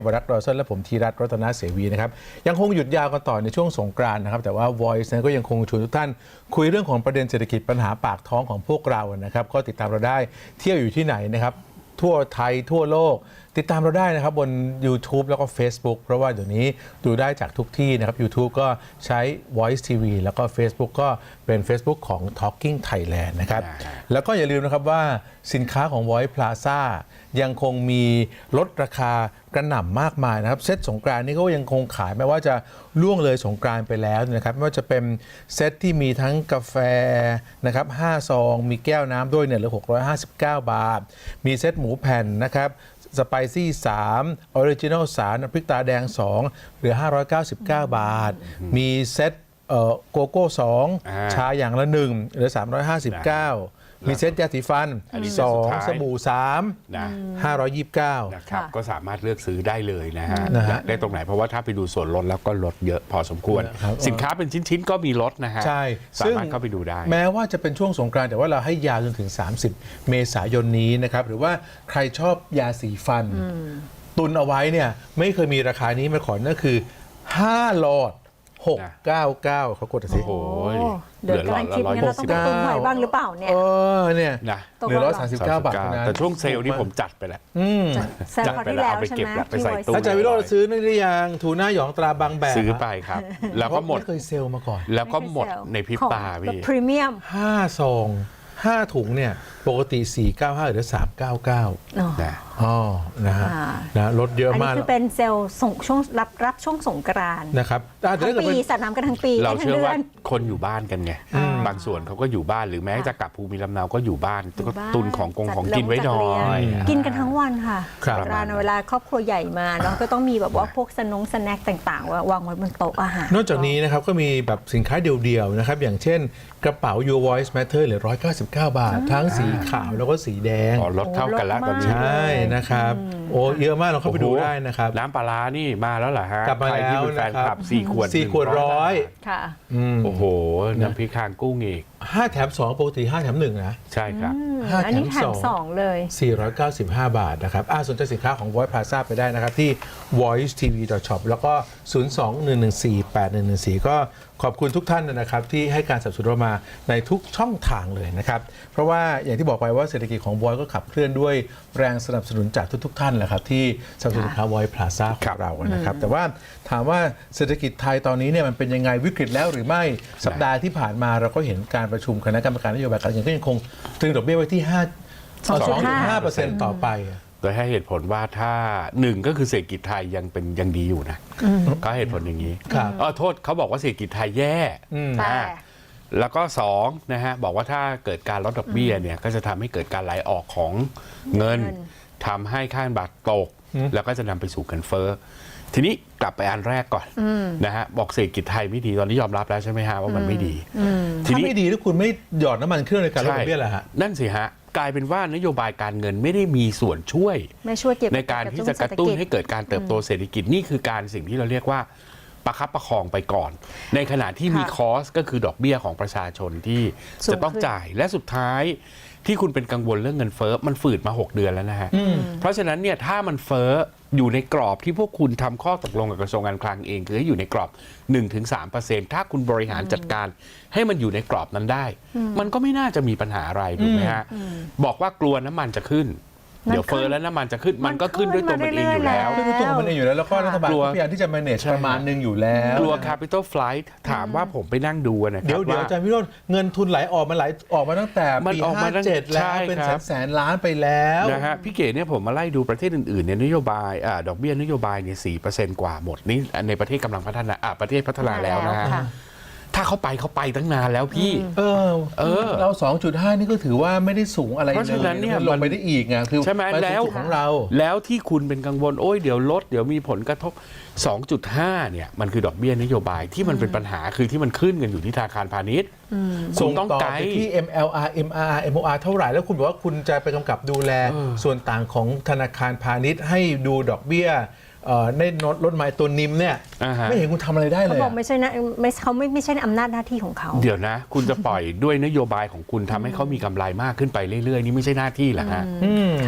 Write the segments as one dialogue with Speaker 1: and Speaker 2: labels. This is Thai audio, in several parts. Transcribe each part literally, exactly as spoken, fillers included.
Speaker 1: วรัตน์รอเซนและผมธีรัตน์รัตนเสวีนะครับยังคงหยุดยาวกันต่อในช่วงสงกรานต์นะครับแต่ว่า Voice นั้นก็ยังคงชวนทุกท่านคุยเรื่องของประเด็นเศรษฐกิจปัญหาปากท้องของพวกเรานะครับก็ติดตามเราได้เที่ยวอยู่ที่ไหนนะครับทั่วไทยทั่วโลกติดตามเราได้นะครับบน YouTube แล้วก็ Facebook เพราะว่าเดี๋ยวนี้ดูได้จากทุกที่นะครับ YouTube ก็ใช้ Voice ที วี แล้วก็ Facebook ก็เป็น Facebook ของ Talking Thailand นะครับแล้วก็อย่าลืมนะครับว่าสินค้าของ Voice Plaza ยังคงมีลดราคากระหน่ำมากมายนะครับเซตสงกรานต์นี่ก็ยังคงขายไม่ว่าจะล่วงเลยสงกรานต์ไปแล้วนะครับไม่ว่าจะเป็นเซตที่มีทั้งกาแฟนะครับห้าซองมีแก้วน้ำด้วยเนี่ยเหลือหกร้อยห้าสิบเก้าบาทมีเซตหมูแผ่นนะครับสไปซี่สามออริจินัลสามพริกตาแดงสองเหลือห้าร้อยเก้าสิบเก้าบาทมีเซตโกโก้สองชาอย่างละหนึ่งเหลือสามร้อยห้าสิบเก้ามีเซตยาสีฟันสองสบู่สามห้าร้อยยี่สิบเก้า
Speaker 2: นะครับก็สามารถเลือกซื้อได้เลยนะฮะได้ตรงไหนเพราะว่าถ้าไปดูส่วนลดแล้วก็ลดเยอะพอสมควรสินค้าเป็นชิ้นๆก็มีลดนะฮะ
Speaker 1: ใช่
Speaker 2: สามารถเข้าไปดูได้
Speaker 1: แม้ว่าจะเป็นช่วงสงกรานต์แต่ว่าเราให้ยาวจนถึงสามสิบเมษายนนี้นะครับหรือว่าใครชอบยาสีฟันตุนเอาไว้เนี่ยไม่เคยมีราคานี้มาก่อนนั่นคือห้าหลอดหกร้อยเก้าสิบเก้าเขากดสิ
Speaker 2: โอ้ย
Speaker 3: เดือดกำลังคิดเนี่ยเราต้องไปตุนไว้บ้างหรือเปล่าเนี่ย
Speaker 1: เออเนี่ยหนึ่งร้อยสามสิบเก้าบาท
Speaker 2: แต่ช่วงเซลล์นี่ผมจัดไปแล้ว
Speaker 3: จัดไปแล้วเอาไปเก็บ
Speaker 2: ไปใส่ตู้
Speaker 1: อาจารย์วิโรจน์ซื้อนี่หรือยังทูน่าหยองตราบางแบบ
Speaker 2: ซื้อไปครับแล้วก็หมด
Speaker 1: ไม่เคยเซลล์มาก่อน
Speaker 2: แล้วก็หมดในพริบตาพี่
Speaker 3: พรีเมียม
Speaker 1: ห้าซองห้าถุงเนี่ยปกติสี่ร้อยเก้าสิบห้าหรือสามร้อยเก้าสิบเก้า
Speaker 2: นะ
Speaker 1: อ๋อนะฮะนะลดเยอะมาก
Speaker 3: อันนี้คือเป็นเซลล์ส่งช่วงรับรับช่วงสงกรานต์
Speaker 1: นะครับ
Speaker 3: ทั้งปีสาดน้ำกันทั้งปี
Speaker 2: เราเชื่อว่าคนอยู่บ้านกันไงบางส่วนเขาก็อยู่บ้านหรือแม้จะกลับภูมิลำเนาก็อยู่บ้านก็ตุนของกงของกินไว้หน่อย
Speaker 3: กินกันทั้งวันค่ะสงกรานต์เวลาครอบครัวใหญ่มาเนาะก็ต้องมีแบบว่าพวกสนงสแน็คต่างๆวางไว้บนโต๊ะอาหาร
Speaker 1: นอกจากนี้นะครับก็มีแบบสินค้าเดียวๆนะครับอย่างเช่นกระเป๋า Your Voice Matter เหลือหนึ่งร้อยเก้าสิบเก้าบาททั้งสีขาวแล้วก็สีแดง
Speaker 2: ลดเท่ากันแล้วตอนนี้
Speaker 1: ใช่นะครับโอ้เยอะมากเราเข้าไปดูได้นะครับ
Speaker 2: น้ำปลาร้านี่มาแล้วเหรอฮะ
Speaker 1: กลับมาแล้ว
Speaker 2: นะครับสี่ขวด
Speaker 1: สี่ขวดร้อย
Speaker 3: ค่ะ
Speaker 2: โอ้โหน้ำพริกคางกุ้งอีก
Speaker 1: ห้าแถมสองปกติห้าแถมหนึ่งนะ
Speaker 2: ใช่ครับ
Speaker 1: ห้า
Speaker 3: แถมสองเลย
Speaker 1: สี่ร้อยเก้าสิบห้าบาทนะครับอ่าสนใจสินค้าของ Voice Plaza ไปได้นะครับที่ voice t v dot shop แล้วก็ศูนย์ สอง หนึ่ง หนึ่ง สี่ แปด หนึ่ง หนึ่ง สี่ก็ขอบคุณทุกท่านนะครับที่ให้การสนับสนุนเรามาในทุกช่องทางเลยนะครับเพราะว่าอย่างที่บอกไปว่าเศรษฐกิจของ Voice ก็ขับเคลื่อนด้วยแรงสนับสนุนจากทุกๆท่านแหละครับที่สนับสนุนสินค้า Voice Plaza ของเรานะครับแต่ว่าถามว่าเศรษฐกิจไทยตอนนี้เนี่ยมันเป็นยังไงวิกฤตแล้วหรือไม่สัปดาห์ที่ผ่านมาเราก็เห็นการประชุมคณะกรรมการนโยบายการเงินก็ยังคงตรึงดอกเบี้ยไว้ที่ห้า สองจุดห้าเปอร์เซ็นต์ ต่อไป
Speaker 2: โดยให้เหตุผลว่าถ้าหนึ่งก็คือเศรษฐกิจไทยยังเป็นยังดีอยู่นะก็เหตุผลอย่างนี้เออโทษเขาบอกว่าเศรษฐกิจไทยแย่แล้วก็สองนะฮะบอกว่าถ้าเกิดการลดดอกเบี้ยเนี่ยก็จะทำให้เกิดการไหลออกของเงินทำให้ค่าเงินบาทตกแล้วก็จะนำไปสู่เงินเฟ้อทีนี้กลับไปอันแรกก่อนนะฮะบอกเศรษฐกิจไทยไม่ดีตอนนี้ยอมรับแล้วใช่ไหมฮะว่ามันไม่ดี
Speaker 1: ทีนี้ไม่ดีถ้าคุณไม่หยอดน้ำมันเครื่องในการลดดอกเบี้ยแหละฮะ
Speaker 2: นั่นสิฮะกลายเป็นว่านโยบายการเงินไม่ได้มีส่วนช่วยในการที่จะกระตุ้นให้เกิดการเติบโตเศรษฐกิจนี่คือการสิ่งที่เราเรียกว่าประคับประคองไปก่อนในขณะที่มีคอสก็คือดอกเบี้ยของประชาชนที่จะต้องจ่ายและสุดท้ายที่คุณเป็นกังวลเรื่องเงินเฟ้อมันฝืดมาหกเดือนแล้วนะฮะเพราะฉะนั้นเนี่ยถ้ามันเฟ้ออยู่ในกรอบที่พวกคุณทำข้อตกลงกับกระทรวงการคลังเองคือให้อยู่ในกรอบ หนึ่งถึงสามเปอร์เซ็นต์ ถ้าคุณบริหารจัดการให้มันอยู่ในกรอบนั้นได้มันก็ไม่น่าจะมีปัญหาอะไรถูกไหมฮะบอกว่ากลัวน้ำมันจะขึ้นเดี๋ยวเฟ้อแล้วน้ำมันจะขึ้นมันก็ขึ้นด้วยตัวมันเองอยู่แล้ว
Speaker 1: ขึ้นด้วยตัวมันเองอยู่แล้วแล้วก็รัฐบาลพยายามที่จะ manage ประมาณนึงอยู่แล้ว
Speaker 2: กลัว capital flight ถามว่าผมไปนั่งดูนะครับ
Speaker 1: เดี๋ยวเดี๋ยวอาจารย์วิโรจน์เงินทุนไหลออกมาไหลออกมาตั้งแต่ปีห้าเจ็ดแล้วเป็นแสนแสนล้านไปแล้ว
Speaker 2: นะฮะพี่เก๋เนี่ยผมมาไล่ดูประเทศอื่นๆเนี่ยนโยบายอ่าดอกเบี้ยนโยบายเนี่ย สี่เปอร์เซ็นต์ กว่าหมดนี่ในประเทศกำลังพัฒนาอ่าประเทศพัฒนาแล้วนะฮะถ้าเขาไปเขาไปตั้งนานแล้วพี่
Speaker 1: เออเออเรา สองจุดห้า นี่ก็ถือว่าไม่ได้สูงอะไรเลยเพราะฉะนั้นเนี่ยลงไปได้อีกไงคือ
Speaker 2: ใช่ไหมแล้ว
Speaker 1: ของเรา
Speaker 2: แล้วที่คุณเป็นกังวลโอ้ยเดี๋ยวลดเดี๋ยวมีผลกระทบ สองจุดห้า เนี่ยมันคือดอกเบี้ยนโยบายที่มันเป็นปัญหาคือที่มันขึ้นกันอยู่ที่ธนาคารพาณิชย์
Speaker 1: ส่งต่อไปที่ เอ็ม แอล อาร์ เอ็ม อาร์ อาร์ เอ็ม โอ อาร์ เท่าไหร่แล้วคุณบอกว่าคุณจะไปกำกับดูแลส่วนต่างของธนาคารพาณิชย์ให้ดูดอกเบี้ยในรถไม้ตัวนิมเนี่ยไม่เห็นคุณทำอะไรได้เลย
Speaker 3: เขาบอกไม่ใช่นะไม่เขาไม่ไม่ใช่อำนาจหน้าที่ของเขา
Speaker 2: เดี๋ยวนะคุณจะปล่อยด้วยนโยบายของคุณทำให้เขามีกำไรมากขึ้นไปเรื่อยๆนี่ไม่ใช่หน้าที่เหรอฮะ
Speaker 3: ค่ะ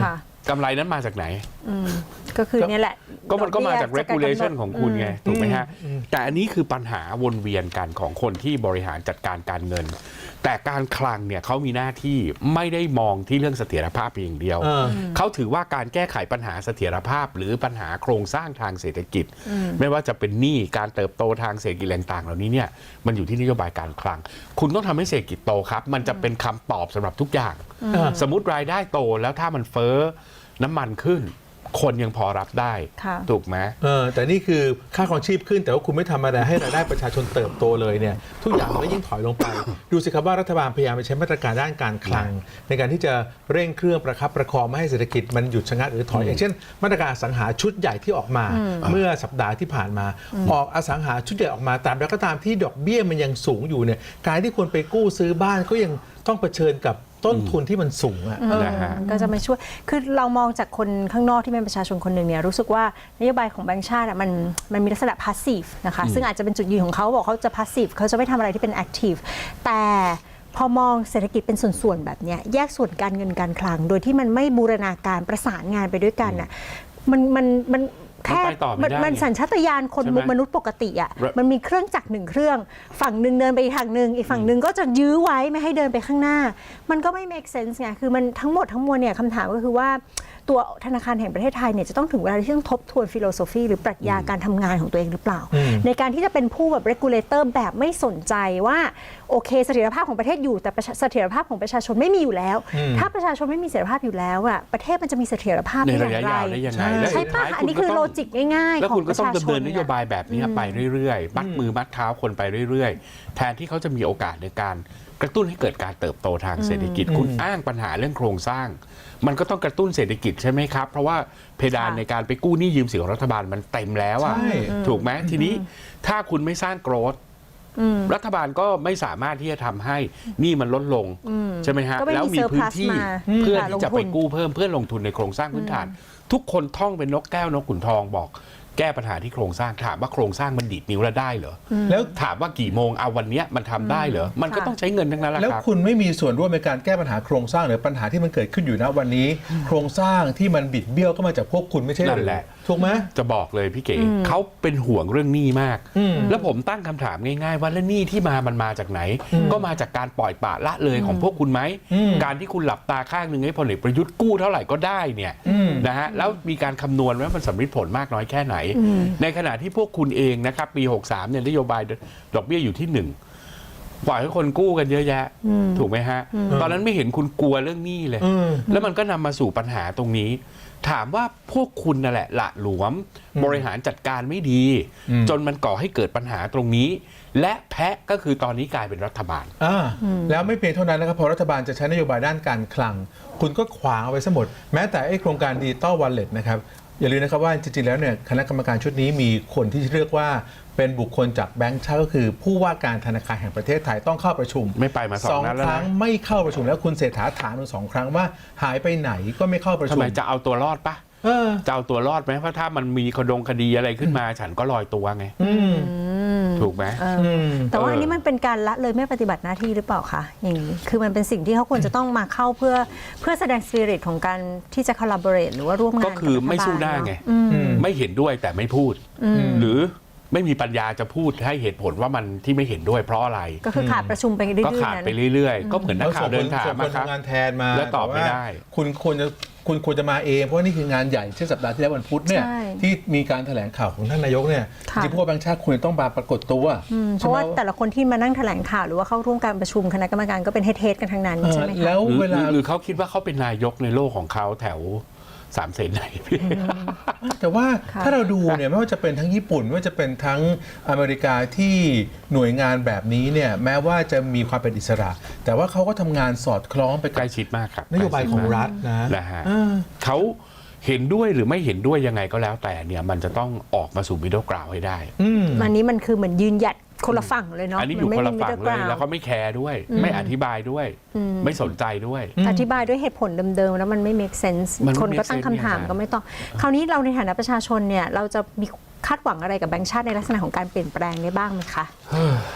Speaker 2: กำไรนั้นมาจากไหน
Speaker 3: อืมก็คือเนี่ยแหละ
Speaker 2: ก็มันก็มาจาก
Speaker 3: ดอกเบี้ย
Speaker 2: regulation
Speaker 3: จะกำหนด
Speaker 2: ของคุณไงถูกไหมฮะแต่อันนี้คือปัญหาวนเวียนกันของคนที่บริหารจัดการการเงิน แต่การคลังเนี่ยเขามีหน้าที่ไม่ได้มองที่เรื่องเสถียรภาพเพียงอย่างเดียว
Speaker 1: เออ
Speaker 2: เขาถือว่าการแก้ไขปัญหาเสถียรภาพ หรือปัญหาโครงสร้างทางเศรษฐกิจ ไม่ว่าจะเป็นหนี้การเติบโตทางเศรษฐกิจต่างๆเหล่านี้เนี่ยมันอยู่ที่นโยบายการคลัง คุณต้องทำให้เศรษฐกิจโตครับ มันจะเป็นคำตอบสำหรับทุกอย่าง สมมติรายได้โตแล้วถ้ามันเฟ้อน้ำมันขึ้น คนยังพอรับได้
Speaker 3: ค่ะ
Speaker 2: ถูกไหม
Speaker 1: เออแต่นี่คือค่าครองชีพขึ้นแต่ว่าคุณไม่ทำอะไรให้รายได้ประชาชนเติบโตเลยเนี่ยทุกอย่างมันก็ยิ่งถอยลงไป ดูสิครับว่ารัฐบาลพยายามไปใช้มาตรการด้านการคลัง ในการที่จะเร่งเครื่องประคับประคองไม่ให้เศรษฐกิจมันหยุดชะงักหรือถอยอย่างเช่น มาตรการอสังหาชุดใหญ่ที่ออกมา เมื่อสัปดาห์ที่ผ่านมา ออกอสังหาชุดใหญ่ออกมาตามแล้วก็ตามที่ดอกเบี้ยมันยังสูงอยู่เนี่ยการที่คนไปกู้ซื้อบ้านก็ยังต้องเผชิญกับต้นทุนที่มันสูงอ่ะ
Speaker 3: เออ
Speaker 2: นะฮะ
Speaker 3: ก็จะมาช่วย คือเรามองจากคนข้างนอกที่เป็นประชาชนคนหนึ่งเนี่ยรู้สึกว่านโยบายของแบงก์ชาติอะมันมันมีลักษณะพาสซีฟนะคะ ซึ่งอาจจะเป็นจุดยืนของเขาบอกเขาจะพาสซีฟเขาจะไม่ทำอะไรที่เป็นแอคทีฟ แต่พอมองเศรษฐกิจเป็นส่วนๆแบบเนี้ยแยกส่วนการเงินการคลัง โดยที่มันไม่บูรณาการประสานงานไปด้วยกันน่ะมันมันมันแค่
Speaker 2: มันไปต่อไม่ได้
Speaker 3: มัน
Speaker 2: ไง
Speaker 3: สัญชาตญาณคน
Speaker 2: ใช่ไหม
Speaker 3: มนุษย์ปกติอ่ะ
Speaker 2: แล้ว
Speaker 3: มันมีเครื่องจักรหนึ่งเครื่อง ฝั่งหนึ่งเดินไปอีกทางหนึ่งอีกฝั่งหนึ่งก็จะยื้อไว้ไม่ให้เดินไปข้างหน้า มันก็ไม่ make sense ไงคือมันทั้งหมดทั้งมวลเนี่ยคำถามก็คือว่าตัวธนาคารแห่งประเทศไทยเนี่ยจะต้องถึงเวลาที่ต้องทบทวนฟิโลโซฟีหรือปรัชญาการทำงานของตัวเองหรือเปล่า
Speaker 1: อืม
Speaker 3: ในการที่จะเป็นผู้แบบ regulator แบบไม่สนใจว่าโอเคเสถียรภาพของประเทศอยู่แต่ประชาเสถียรภาพของประชาชนไม่มีอยู่แล้ว ถ้าประชาชนไม่มีเสถียรภาพอยู่แล้วอ่ะประเทศมันจะมีเสถียรภาพ
Speaker 2: ใน
Speaker 3: ได้อ
Speaker 2: ระ
Speaker 3: ย่าย
Speaker 2: ะ
Speaker 3: งไร
Speaker 2: ยาวได้ยังไง
Speaker 1: ใช่
Speaker 2: และ
Speaker 3: ใช่
Speaker 2: สุด
Speaker 3: ป่ะ
Speaker 2: ท้าย
Speaker 3: อันนี้คือ
Speaker 2: ณก็
Speaker 3: โล
Speaker 2: ต้ง
Speaker 3: จิกง่ายๆ
Speaker 2: แล้ว
Speaker 3: ขอ
Speaker 2: คุ
Speaker 3: ง
Speaker 2: ณ
Speaker 3: ป
Speaker 2: ก็
Speaker 3: ระ
Speaker 2: ต้อง
Speaker 3: ชาช
Speaker 2: ดำเนิ
Speaker 3: น
Speaker 2: นนโยบายแบบนี้ไปเรื่อยๆมัดมือมัดเท้าคนไปเรื่อยๆ แทนที่เขาจะมีโอกาสในการกระตุ้นให้เกิดการเติบโตทางเศรษฐกิจ คุณอ้างปัญหาเรื่องโครงสร้าง มันก็ต้องกระตุ้นเศรษฐกิจใช่ไหมครับ เพราะว่าเพดาน
Speaker 3: ค่ะ
Speaker 2: ในการไปกู้หนี้ยืมสินของรัฐบาลมันเต็มแล้วอ่ะ
Speaker 1: ใช่
Speaker 2: ถูกไหมทีนี้ถ้าคุณไม่สร้างโกรธรัฐบาลก็ไม่สามารถที่จะทำให้หนี้มันลดลงใช่ไหมฮะ
Speaker 3: ก็ไม่มี
Speaker 2: แล้วมีพื้นที่
Speaker 3: surplus มา
Speaker 2: เพื่อ
Speaker 3: ค่ะ
Speaker 2: ที่จะ
Speaker 3: ลงทุ
Speaker 2: ไป
Speaker 3: น
Speaker 2: กู้เพิ่มเพื่อลงทุนในโครงสร้างพื้นฐาน ทุกคนท่องเป็นนกแก้วนกขุนทองบอก แก้ปัญหาที่โครงสร้างถามว่าโครงสร้างมันดีดนิ้วแล้วได้เหรอ
Speaker 1: แล้ว
Speaker 2: ถามว่ากี่โมงเอาวันเนี้ยมันทำได้เหรอมันก็
Speaker 3: ค่ะ
Speaker 2: ต้องใช้เงินทั้งนั้นแหละ
Speaker 1: แล้ว
Speaker 2: ครับ
Speaker 1: คุณไม่มีส่วนร่วมในการแก้ปัญหาโครงสร้างหรือปัญหาที่มันเกิดขึ้นอยู่ณวันนี้ โครงสร้างที่มันบิดเบี้ยวก็มาจากพวกคุณไม่ใช่ห
Speaker 2: นั่
Speaker 1: รื
Speaker 2: น
Speaker 1: อ
Speaker 2: แหละ
Speaker 1: ถูกไหม
Speaker 2: จะบอกเลยพี่เก๋เขาเป็นห่วงเรื่องหนี้มาก แล้วผมตั้งคำถามง่ายๆ ว่าแล้วหนี้ที่มามันมาจากไหน ก็มาจากการปล่อยปละละเลยของพวกคุณไหม
Speaker 1: อืม
Speaker 2: การที่คุณหลับตาข้างหนึ่งให้พลเอกประยุทธ์กู้เท่าไหร่ก็ได้เนี่ย
Speaker 1: อืม
Speaker 2: นะฮะแล้วมีการคำนวณว่ามันสำลิดผลมากน้อยแค่ไหน ในขณะที่พวกคุณเองนะครับปีหกสามเนี่ยนโยบายดอกเบี้ยอยู่ที่หนึ่งปล่อยให้คนกู้กันเยอะแยะ ถูกไหมฮะ ตอนนั้นไม่เห็นคุณกลัวเรื่องหนี้เลย
Speaker 1: อืม
Speaker 2: แล้วมันก็นำมาสู่ปัญหาตรงนี้ ถามว่าพวกคุณนั่นแหละละหลวม บริหารจัดการไม่ดี
Speaker 1: อืม
Speaker 2: จนมันก่อให้เกิดปัญหาตรงนี้ และแพะก็คือตอนนี้กลายเป็นรัฐบาล
Speaker 1: อ่าแล้วไม่เพียงเท่านั้นนะครับพอรัฐบาลจะใช้นโยบายด้านการคลัง คุณก็ขวางเอาไว้ซะหมด แม้แต่ไอ้โครงการดิจิตอลวอลเล็ตนะครับอย่าลืมนะครับว่าจริงๆแล้วเนี่ยคณะกรรมการชุดนี้มีคนที่เรียกว่าเป็นบุคคลจากแบงก์ชาติก็คือ ผู้ว่าการธนาคารแห่งประเทศไทยต้องเข้าประชุม
Speaker 2: ไม่ไปมาสองนัดแล้วนะ
Speaker 1: ครั้งไม่เข้าประชุมแล้วคุณเศรษฐาถามถึงสองครั้งว่าหายไปไหนก็ไม่เข้าประ
Speaker 2: ทำ
Speaker 1: ชุม
Speaker 2: ไมจะเอาตัวรอดปะ
Speaker 1: เออ
Speaker 2: จะเอาตัวรอดไหมเพราะถ้ามันมีคดงคดีอะไรขึ้นมา ฉันก็ลอยตัวไง
Speaker 1: อืม
Speaker 2: ถูกไหม
Speaker 3: เอออแต่ว่าอันนี้มันเป็นการละเลยไม่ปฏิบัติหน้าที่หรือเปล่าคะอย่างนี้คือมันเป็นสิ่งที่เขาควรจะต้องมาเข้าเพื่อเพื่อแสดงสปิริตของการที่จะ collaborate หรือว่าร่วมงาน
Speaker 2: ก็คือไม่สู้หน้าไง ไม่เห็นด้วยแต่ไม่พูด หรือไม่มีปัญญาจะพูดให้เหตุผลว่ามันที่ไม่เห็นด้วยเพราะอะไร
Speaker 3: ก็คือขาดประชุมไปเรื่อยๆ
Speaker 2: ก็ขาด
Speaker 3: นั้น
Speaker 2: ไปเรื่อยๆ ก็เหมือนนักข่าวเดินถาม
Speaker 1: ส่งคน
Speaker 2: อะครับ
Speaker 1: ทำงานแทนมา
Speaker 2: แล้วตอบไม่
Speaker 1: ว่า
Speaker 2: ได้
Speaker 1: คุณควรจะคุณควรจะมาเองเพราะว่านี่คืองานใหญ่เช่นสัปดาห์ที่แล้ววันพุธเนี่ย
Speaker 3: ใช่
Speaker 1: ที่มีการแถลงข่าวของท่านนายกเนี่ย
Speaker 3: ค่ะ
Speaker 1: ที่ผู้ว่าแบงค์ชาติคุณต้องมาปรากฏตัว
Speaker 3: อืมเพ
Speaker 1: ใช่
Speaker 3: ราะ
Speaker 1: ไหม
Speaker 3: ว่าแต่ละคนที่มานั่งแถลงข่าวหรือว่าเข้าร่วมการประชุมคณะกรรมการก็เป็นเฮดๆกันทั้งนั้น
Speaker 1: เออ
Speaker 3: ใช่ไหมคะ
Speaker 1: แล้ว
Speaker 2: หรือ
Speaker 1: เวลา
Speaker 2: หรือเขาคิดว่าเขาเป็นนายกในโลกของเขาแถวสามเสนไหนพี่
Speaker 1: แต่ว่า
Speaker 3: ค่ะ
Speaker 1: ถ้าเราดูเนี่ยไม่ว่าจะเป็นทั้งญี่ปุ่นไม่ว่าจะเป็นทั้งอเมริกาที่หน่วยงานแบบนี้เนี่ยแม้ว่าจะมีความเป็นอิสระ แต่ว่าเขาก็ทำงานสอดคล้องไป
Speaker 2: ใก
Speaker 1: กับ
Speaker 2: ล้ชิดมากครับ
Speaker 1: นโยบายของรัฐนะ
Speaker 2: นะฮะ
Speaker 1: เออ
Speaker 2: เขาเห็นด้วยหรือไม่เห็นด้วยยังไงก็แล้วแต่เนี่ยมันจะต้องออกมาสู่มิดเดิลกราวให้ได้
Speaker 1: อืม
Speaker 3: อันนี้มันคือเหมือนยืนหยัดคนละฝั่งเลยเนาะ
Speaker 2: อันนี้อยู่
Speaker 3: มั
Speaker 2: คนละ
Speaker 3: ไม่มี
Speaker 2: ฝั่ง
Speaker 3: middle
Speaker 2: เลย
Speaker 3: ground
Speaker 2: แล้วก็ไม่แคร์ด้วย ไม่อธิบายด้วย ไม่สนใจด้วย
Speaker 3: อธิบายด้วยเหตุผลเดิมๆแล้วมันไม่ make sense
Speaker 2: มันไม่
Speaker 3: คนก็
Speaker 2: make
Speaker 3: ตั้ง
Speaker 2: sense
Speaker 3: คำถาม
Speaker 2: เนี่ย
Speaker 3: ก็ไม่ต้อง คราวนี้เราในฐานะประชาชนเนี่ยเราจะมีคาดหวังอะไรกับแบงก์ชาติในลักษณะของการเปลี่ยนแปลงได้บ้างไหมคะ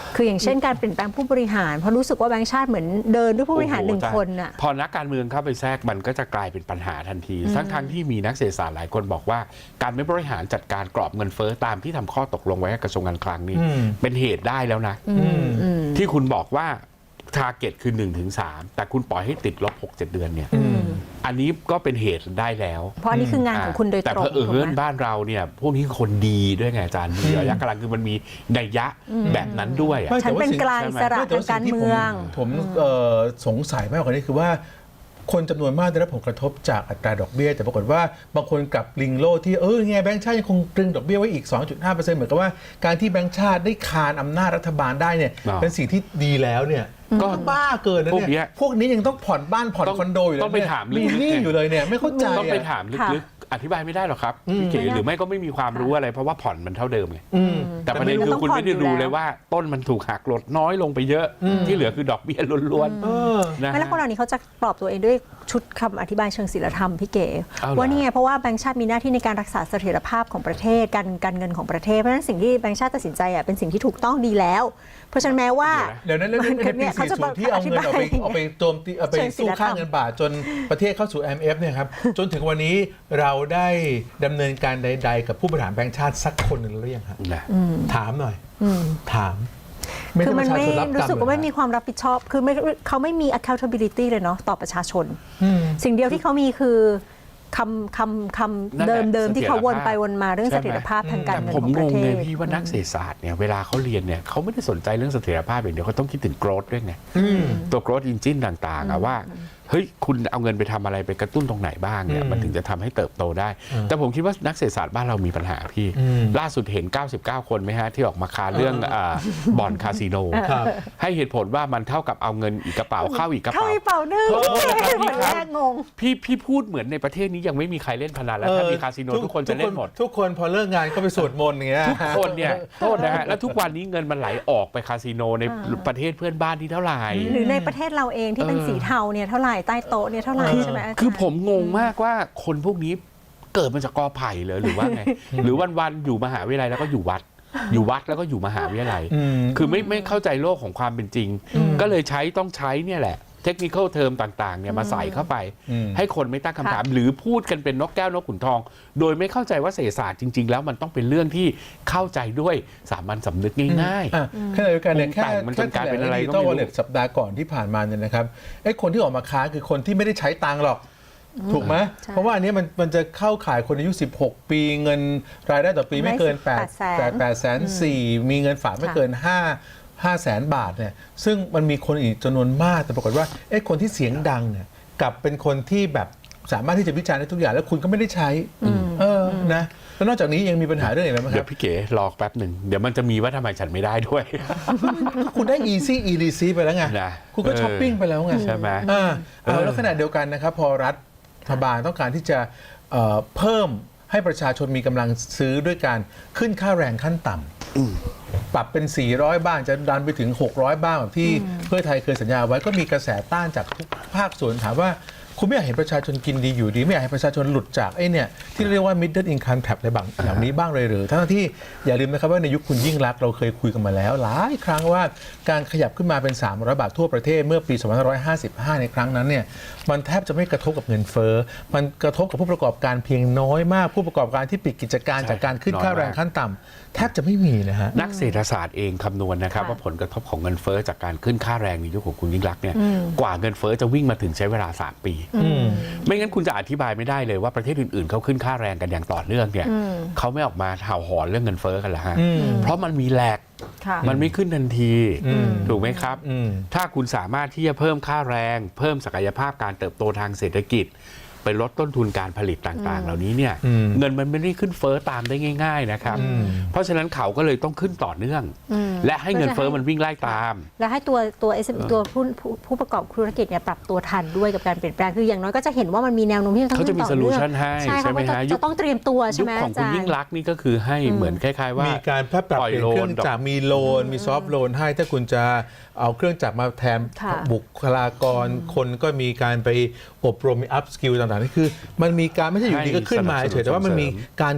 Speaker 3: คืออย่างเช่นการเปลี่ยนแปลงผู้บริหารเพราะรู้สึกว่าแบงก์ชาติเหมือนเดินด้วยผู้บริหารหนึ่งคนน่ะ
Speaker 2: พอนักการเมืองเข้าไปแทรกมันก็จะกลายเป็นปัญหาทันทีทั้งทั้งที่มีนักเศรษฐศาสตร์หลายคนบอกว่าการไม่บริหารจัดการกรอบเงินเฟ้อตามที่ทำข้อตกลงไว้กับกระทรวงการคลังนี่เป็นเหตุได้แล้วนะที่คุณบอกว่าทาร์เก็ตคือ หนึ่งถึงสาม แต่คุณปล่อยให้ติดลบ หกเจ็ด เดือนเนี่ยอันนี้ก็เป็นเหตุได้แล้ว
Speaker 3: เพราะอันนี้คืองานของคุณโดยตรง
Speaker 2: แต่เผอิญบ้านเราเนี่ยพวกนี้คนดีด้วยไงอาจารย์มีระยะกลางคือมันมีนัยยะแบบนั้นด้วย
Speaker 3: ฉันเป็นกลางอิสระทางการเมือง
Speaker 1: ผมสงสัยมากกว่านี้คือว่าคนจำนวนมากได้รับผลกระทบจากอัตราดอกเบี้ยแต่ปรากฏว่าบางคนกลับลิงโลที่เออไงแบงก์ชาติยังคงตรึงดอกเบี้ยไว้อีก สองจุดห้าเปอร์เซ็นต์ เหมือนกับว่าการที่แบงก์ชาติได้คานอำนาจรัฐบาลได้เนี่ยเป็นสิ่งที่ดีแล้วเนี่ยก็บ้าเกินนะเนี่ยพวกนี้ยังต้องผ่อนบ้านผ่อนคอนโดอยู่เลย
Speaker 2: ต้องไปถาม
Speaker 1: มีหนี้อยู่เลยเนี่ยไม่เข้าใจ
Speaker 2: ต้องไปถามลึกๆอธิบายไม่ได้หรอกครับพี่เก๋หรือไม่ก็ไม่มีความรู้อะไรเพราะว่าผ่อนมันเท่าเดิมไงแต่ประเด็นคือคุณไม่ได้ดูเลยว่าต้นมันถูกหักลดน้อยลงไปเยอะที่เหลือคือดอกเบี้ยล้วนๆ
Speaker 3: ไม่แล้วคนเหล่านี้เขาจะปลอบตัวเองด้วยชุดคำอธิบายเชิงศีลธรรมพี่เก๋ว่านี่ไงเพราะว่าแบงก์ชาติมีหน้าที่ในการรักษาเสถียรภาพของประเทศการการเงินของประเทศเพราะฉะนั้นสิ่งที่แบงก์ชาติตัดสินใจอ่ะเป็นสิ่งที่ถูกต้องดีแล้วเพราะฉะนั้นแม้ว่า
Speaker 1: เดี๋ยวนั้นเรื่องนี้เขาจะที่เอาเงินเอาไปเอาไปโจมตีเอาไปสู้ค่าเงินบาทจนประเทศเข้าสู่ ไอ เอ็ม เอฟ เนี่ยครับจนถึงวันนี้เราได้ดำเนินการใดๆกับผู้บริหารแบงก์ชาติสักคนหนึ่งหรือยังครับถามหน่อยถาม
Speaker 3: คือมันไม่รู้สึกว่าไม่มีความรับผิดชอบคือไม่เขาไม่มี accountability เลยเนาะต่อประชาชนสิ่งเดียวที่เขามีคือคำคำคำเดิมเดิมที่เขาวนไปวนมาเรื่องเสถียรภาพทางการเงินของประเทศผมงงเลย
Speaker 2: พี่ว่านักเศรษฐศาสตร์เนี่ยเวลาเขาเรียนเนี่ยเขาไม่ได้สนใจเรื่องเสถียรภาพอย่างเดียวเขาต้องคิดถึง growth ด้วยไงตัว growth engine ต่างๆอะว่าเฮ้ยคุณเอาเงินไปทำอะไรไปกระตุ้นตรงไหนบ้างเนี่ยมันถึงจะทำให้เติบโตได้แต่ผมคิดว่านักเศรษฐศาสตร์บ้านเรามีปัญหาพี่ล่าสุดเห็นเก้าสิบเก้าคนไหมฮะที่ออกมาคาเรื่องบ่อนคาสิโนให้เหตุผลว่ามันเท่ากับเอาเงินอีกกระเป๋าเข้าอีกกระเป๋า
Speaker 3: เข้าอีกกระเป๋านึงแรกงง
Speaker 2: พี่พี่พูดเหมือนในประเทศนี้ยังไม่มีใครเล่นพนันแล้วถ้ามีคาสิโนทุกคนจะเล่นหมด
Speaker 1: ทุกคนพอเลิกงานก็ไปสวดมนต์อย่างเงี้ย
Speaker 2: ทุกคนเนี่ยโทษนะฮะแล้วทุกวันนี้เงินมันไหลออกไปคาสิโนในประเทศเพื่อนบ้านที่เท่าไหร่
Speaker 3: หรือในประเทศเราเองที่เป็นสีเทาเนี่ยเท่าไหร่ใต้โต๊ะเนี่ยเท่าไหร่ใช่ไหม
Speaker 2: คือผมงงมากว่าคนพวกนี้เกิดมาจากกอไผ่เลยหรือว่าไงหรือวันๆอยู่มหาวิทยาลัยแล้วก็อยู่วัดอยู่วัดแล้วก็อยู่มหาวิทยาลัยคือไม่ไม่เข้าใจโลกของความเป็นจริงก็เลยใช้ต้องใช้เนี่ยแหละเทคนิคอลเทอมต่างๆเนี่ยมาใส่เข้าไปให้คนไม่ตั้งคำถามหรือพูดกันเป็นนกแก้วนกขุนทองโดยไม่เข้าใจว่าเศรษฐศาสตร์จริงๆแล้วมันต้องเป็นเรื่องที่เข้าใจด้วยสามัญสำนึกง่าย
Speaker 1: ๆขณะเดียวกันเนี่ยแค่มันจนกลายเป็นอะไรก็ไม่รู้สัปดาห์ก่อนที่ผ่านมาเนี่ยนะครับไอ้คนที่ออกมาค้าคือคนที่ไม่ได้ใช้ตังค์หรอกถูกไหมเพราะว่าอันนี้มันมันจะเข้าข่ายคนอายุสิบหกปีเงินรายได้ต่อปีไม่เกิน8 8แสนสี่มีเงินฝากไม่เกิน5 5แสนบาทเนี่ยซึ่งมันมีคนอีกจำนวนมากแต่ปรากฏว่าไอ้คนที่เสียงดังเนี่ยกับเป็นคนที่แบบสามารถที่จะวิจารณ์ได้ทุกอย่างแล้วคุณก็ไม่ได้ใช้เออนะแล้วนอกจากนี้ยังมีปัญหาเรื่องอะไรไหมครับ
Speaker 2: เดี๋ยวพี่เก๋รอแป๊บหนึ่งเดี๋ยวมันจะมีว่าทำไมฉันไม่ได้ด้วย
Speaker 1: คุณได้ easy e receipt ไปแล้วไงคุณก็ช้อปปิ้งไปแล้วไง
Speaker 2: ใช่ไหม
Speaker 1: อ่าแล้วขณะเดียวกันนะครับพอรัฐบาลต้องการที่จะเพิ่มให้ประชาชนมีกำลังซื้อด้วยการขึ้นค่าแรงขั้นต่ำปรับเป็นสี่ร้อยบ้างจะดันไปถึงหกร้อยบ้างแบบที่เพื่อไทยเคยสัญญาไว้ก็มีกระแสต้านจากทุกภาคส่วนถามว่าคุณไม่อยากเห็นประชาชนกินดีอยู่ดีไม่อยากให้ประชาชนหลุดจากไอ้เนี่ยที่เรียกว่า middle income trap อะไรบางอย่างนี้บ้างเลยหรือทั้งที่อย่าลืมนะครับว่าในยุคคุณยิ่งรักษณ์เราเคยคุยกันมาแล้วหลายครั้งว่าการขยับขึ้นมาเป็นสามร้อยบาททั่วประเทศเมื่อปีสองพันห้าร้อยห้าสิบห้าในครั้งนั้นเนี่ยมันแทบจะไม่กระทบกับเงินเฟ้อมันกระทบกับผู้ประกอบการเพียงน้อยมากผู้ประกอบการที่ปิดกิจการจากการขึ้นค่าแรงขั้นต่ำแทบจะไม่มีนะฮะ
Speaker 2: นักเศรษฐศาสตร์เองคำนวณนะครับว่าผลกระทบของเงินเฟ้อจากการขึ้นค่าแรงในยุคของคุณยิ่งรักษณ์เนี่ยกว่าเงินเฟ้อจะวิ่งมาถึงใช้เวลาสามปีไม่งั้นคุณจะอธิบายไม่ได้เลยว่าประเทศอื่นๆเขาขึ้นค่าแรงกันอย่างต่อเนื่องเนี่ยเขาไม่ออกมาเห่าหอนเรื่องเงินเฟ้อกันละฮะเพราะมันมีแลกมันไม่ขึ้นทันทีถูกไหมครับถ้าคุณสามารถที่จะเพิ่มค่าแรงเพิ่มศักยภาพการเติบโตทางเศรษฐกิจไปลดต้นทุนการผลิตต่างๆเหล่านี้เนี่ยเงินมันไม่ได้ขึ้นเฟ้อตามได้ง่ายๆนะครับเพราะฉะนั้นเขาก็เลยต้องขึ้นต่อเนื่องและให้เงินเฟ้อมันวิ่งไล่ตาม
Speaker 3: และให้ตัวตัวตัวผู้ผู้ประกอบธุรกิจเนี่ยปรับตัวทันด้วยกับการเปลี่ยนแปลงคืออย่างน้อยก็จะเห็นว่ามันมีแนวโน้มที่จะต้อง
Speaker 2: เขาจะมีโซลูชันให้ใช่ไหมฮะ
Speaker 3: จะต้องเตรียมตัวใช่ไหม
Speaker 2: ยุคของคุณยิ่งรักษณ์นี่ก็คือให้เหมือนคล้ายๆว่า
Speaker 1: มีการปรับเปลี่ยนเครื่องจักรมีโลนมีซอฟท์โลนให้ถ้าคุณจะเอาเครื่องจักรมาแทนบุคลากรคนก็มีการไปอบรมมีอัพสกิลต่างๆนี่คือมันมีการไม่ใช่อยู่ดีก็ขึ้นมาเฉยแต่ว่ามันมีการคิด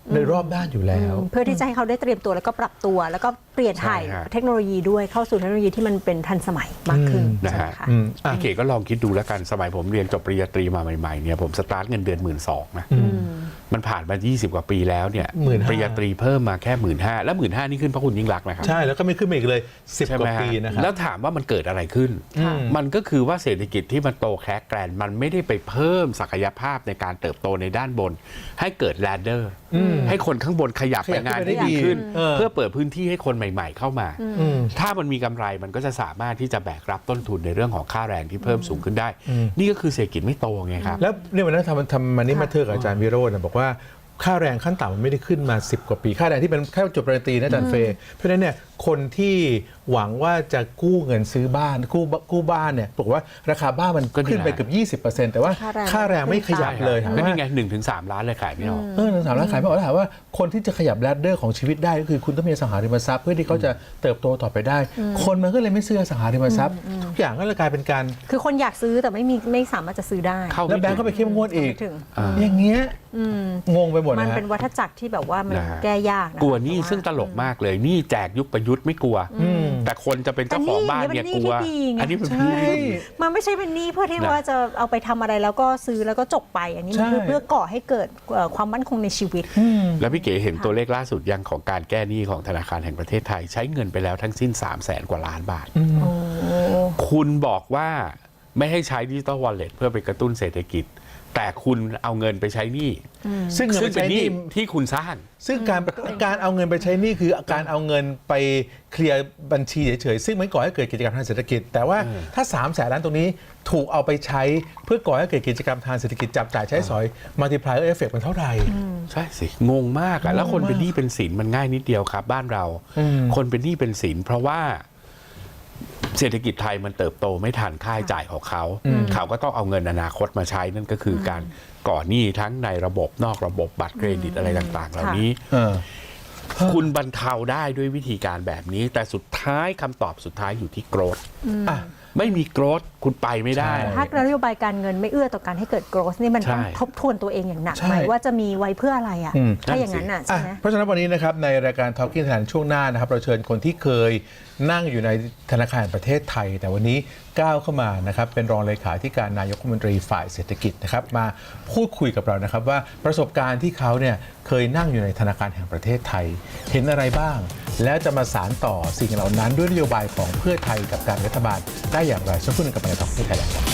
Speaker 1: ในรอบด้านอยู่แล้ว
Speaker 3: เพื่อที่จะให้เขาได้เตรียมตัวแล้วก็ปรับตัว แล้วก็เปลี่ยนถ่าย
Speaker 2: ใช่ฮะ
Speaker 3: เทคโนโลยีด้วยเข้าสู่เทคโนโลยีที่มันเป็นทันสมัยมากขึ้น
Speaker 2: นะ
Speaker 3: ใช่ไห
Speaker 2: ฮะ
Speaker 3: มคะ
Speaker 1: อืมอ่ะ
Speaker 2: พี่เก๋ก็ลองคิดดูแล้วกันสมัยผมเรียนจบปริญญาตรีมาใหม่ๆเนี่ยผมสตาร์ทเงินเดือนหมื่นสองนะมันผ่านมา ยี่สิบ กว่าปีแล้วเนี่ย
Speaker 1: หมื่นห้า
Speaker 2: ปริญญาตรีเพิ่มมาแค่หมื่นห้าแล้วหมื่นห้านี่ขึ้นเพราะคุณยิ่งรักษณ์นะครับ
Speaker 1: ใช่แล้วก็ไม่ขึ้นมาอีกเลยสิบ
Speaker 2: ใช่
Speaker 1: ก
Speaker 2: ไหม
Speaker 1: ว่า
Speaker 2: ฮะ
Speaker 1: ปีนะครับ
Speaker 2: แล้วถามว่ามันเกิดอะไรขึ้น
Speaker 3: ค่ะ
Speaker 2: มันก็คือว่าเศรษฐกิจที่มันโตแคกแกรนมันไม่ได้ไปเพิ่มศักยภาพในการเติบโตในด้านบน ให้เกิดแลดเดอร์ให้คนข้างบนขยับ
Speaker 1: ข
Speaker 2: ไป
Speaker 1: ยับ
Speaker 2: งาน
Speaker 1: ขึ้นไปได้
Speaker 2: ได้ดีขึ้น
Speaker 1: เออ
Speaker 2: เพื่อเปิดพื้นที่ให้คนใหม่ ๆ เข้ามา
Speaker 1: อืม
Speaker 2: ถ้ามันมีกำไรมันก็จะสามารถที่จะแบกรับต้นทุนในเรื่องของค่าแรงที่เพิ่มสูงขึ้นได้ นี่ก็คือเศรษฐกิจไม่โตไงครับ
Speaker 1: แล้วเนี่ยวันนั้นทำทำมันนี่มาเทอร์กับอาจารย์วิโรจน์นะบอกว่าค่าแรงขั้นต่ำมันไม่ได้ขึ้นมาสิบกว่าปีค่าแรงที่เป็นแค่จบปริญญาตรีนะอาจารย์เฟย์เพราะฉะนั้นเนี่ยคนที่หวังว่าจะกู้เงินซื้อบ้านกู้กู้บ้านเนี่ยบอกว่าราคาบ้านมัน
Speaker 2: ก็นี่
Speaker 1: ขึ้นไป
Speaker 2: แหละ
Speaker 1: เกือบยี่สิบเปอร์เซ็นต์แต่ว่า
Speaker 3: ค่าแรง
Speaker 1: ค่าแรงไม่ขยับเลยถาม
Speaker 2: ก็
Speaker 1: ว่า
Speaker 2: นี่ไงหนึ่งถึงสามล้านเลยขายไม่ออก
Speaker 1: เออหนึ่งสามล้านขายไม่ออกแล้วถามว่าคนที่จะขยับแรดเดอร์ของชีวิตได้ก็คือคุณต้องมีอสังหาริมทรัพย์เพื่อที่เขาจะเติบโตต่อไปได้ คนมันก็เลยไม่ซื้ออสังหาริมทรัพย์ทุกอย่างก็เลยกลายเป็นการ
Speaker 3: คือคนอยากซื้อแต่ไม่มีไม่สามารถจะซื้อได้
Speaker 2: เข้า
Speaker 1: แล้ว
Speaker 2: ไม่
Speaker 1: แบงก์
Speaker 2: ถึ
Speaker 1: ก็
Speaker 2: ง
Speaker 1: ไปเข้มงวดอีก
Speaker 3: ไม่ถึง
Speaker 1: อย่างเงี้ยงงไปหมด
Speaker 3: มัน
Speaker 1: นะฮะ
Speaker 3: เป็นวัฏจักรที่แบบว่ามัน
Speaker 2: นะฮะ
Speaker 3: แก้ยากนะ
Speaker 2: กลัวหนี่
Speaker 3: เพราะา
Speaker 2: ซึ่งตลกมากเลยหนี่แจกยุคประยุทธ์ไม่กลัว แต่คนจะเป็นเจ้าของบ้านเนี่ยกลัว อันนี้เป็น
Speaker 1: ใช่
Speaker 2: พี่
Speaker 3: มันไม่ใช่เป็นหนี้เพื่อที่
Speaker 2: นะ
Speaker 3: ว่าจะเอาไปทำอะไรแล้วก็ซื้อแล้วก็จบไป อันนี้
Speaker 1: ใช่
Speaker 3: คือเพื่อก่อให้เกิดเอ่อความมั่นคงในชีวิต
Speaker 2: แล้วพี่เก๋เห็นตัวเลขล่าสุดยังของการแก้หนี้ของธนาคารแห่งประเทศไทย ใช้เงินไปแล้วทั้งสิ้น สามแสนกว่าล้านบาท คุณบอกว่าไม่ให้ใช้ดิจิตอลวอลเล็ตเพื่อไปกระตุ้นเศรษฐกิจ แต่คุณเอาเงินไปใช้หนี้
Speaker 1: ซึ่งเงิน
Speaker 2: ซึ่
Speaker 1: ไป
Speaker 2: งเป็น
Speaker 1: ใช้
Speaker 2: ห
Speaker 1: ห
Speaker 2: นี้
Speaker 1: นี่
Speaker 2: ที่คุณสร้าง
Speaker 1: ซึ่งการการเอาเงินไปใช้หนี่คือการเอาเงินไปเคลียร์บัญชีเฉยๆซึ่งไม่ก่อให้เกิดกิจกรรมทางเศรษฐกิจ แต่ว่าถ้าสามแสนล้านตรงนี้ถูกเอาไปใช้เพื่อก่อให้เกิดกิจกรรมทางเศรษฐกิจจับจ่ายใช้สอย multiplier effect มันเท่าไหร่
Speaker 2: ใช่สิ งงมากอะแล้วคนเป็นหนี้เป็นสินมันง่ายนิดเดียวครับ บ้านเรา
Speaker 1: อืม
Speaker 2: คนเป็นหนี้เป็นสินเพราะว่าเศรษฐกิจไทยมันเติบโตไม่ทันค่าใช้จ่ายของเขา เขาก็ต้องเอาเงินอนาคตมาใช้นั่นก็คือการก่อหนี้ทั้งในระบบนอกระบบบัตรเครดิตอะไรต่างๆ เหล่านี้
Speaker 1: เออ
Speaker 2: คุณบรรเทาได้ด้วยวิธีการแบบนี้ แต่สุดท้ายคำตอบสุดท้ายอยู่ที่โกรธ
Speaker 1: อ่ะ
Speaker 2: ไม่มีโกรธคุณไปไม่ได้
Speaker 1: ใช่
Speaker 3: ถ้านโยบายการเงินไม่เอื้อต่อการให้เกิด growth นี่มันต้อง
Speaker 2: ใช่
Speaker 3: ทบทวนตัวเองอย่างหนัก
Speaker 1: ใช่
Speaker 3: ไหมว่าจะมีไว้เพื่ออะไรอ่ะ
Speaker 1: อืม
Speaker 3: ถ้าอย่างนั้นอ่ะใช่
Speaker 1: อ่ะ
Speaker 3: ไหม
Speaker 1: เพราะฉะนั้นวันนี้นะครับในรายการ Talking Thailand ช่วงหน้านะครับเราเชิญคนที่เคยนั่งอยู่ในธนาคารแห่งประเทศไทย แต่วันนี้ก้าวเข้ามานะครับเป็นรองเลขาธิการนายกรัฐมนตรีฝ่ายเศรษฐกิจนะครับมาพูดคุยกับเรานะครับว่าประสบการณ์ที่เขาเนี่ยเคยนั่งอยู่ในธนาคารแห่งประเทศไทย เห็นอะไรบ้าง แล้วจะมาสานต่อสิ่งเหล่านั้นด้วยนโยบายของเพื่อไทยกับการรัฐบาลได้อย่างไรสักครู่หนึงกับรายการ Talking Thailand ครับ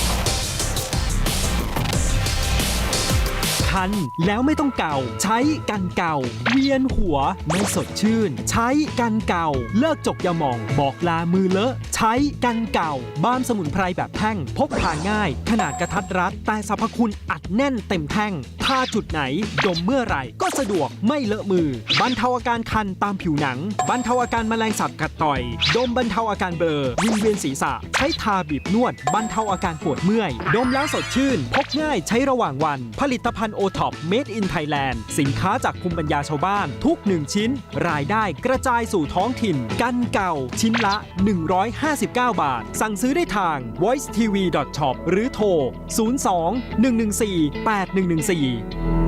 Speaker 4: คันแล้วไม่ต้องเก่า ใช้กันเก่า เวียนหัวไม่สดชื่น ใช้กันเก่า เลิกจกยาหม่อง บอกลามือเลอะ ใช้กันเก่า บ้ามสมุนไพรแบบแท่ง พกพาง่าย ขนาดกระทัดรัด แต่สรรพคุณอัดแน่นเต็มแท่งทาจุดไหน ดมเมื่อไหร่ ก็สะดวกไม่เลอะมือ บรรเทาอาการคันตามผิวหนัง บรรเทาอาการแมลงสาบกัดต่อย ดมบรรเทาอาการเบลอวิงเวียนศีรษะ ใช้ทาบีบนวด บรรเทาอาการปวดเมื่อย ดมแล้วสดชื่น พกง่ายใช้ระหว่างวัน ผลิตภัณฑ์โอท็อป Made in Thailand สินค้าจากภูมิปัญญาชาวบ้าน ทุกหนึ่งชิ้น รายได้กระจายสู่ท้องถิ่น กันเก่า ชิ้นละ หนึ่งร้อยห้าสิบเก้า บาท สั่งซื้อได้ทาง voice t v dot shop หรือโทร ศูนย์ สอง หนึ่ง หนึ่ง สี่ แปด หนึ่ง หนึ่ง สี่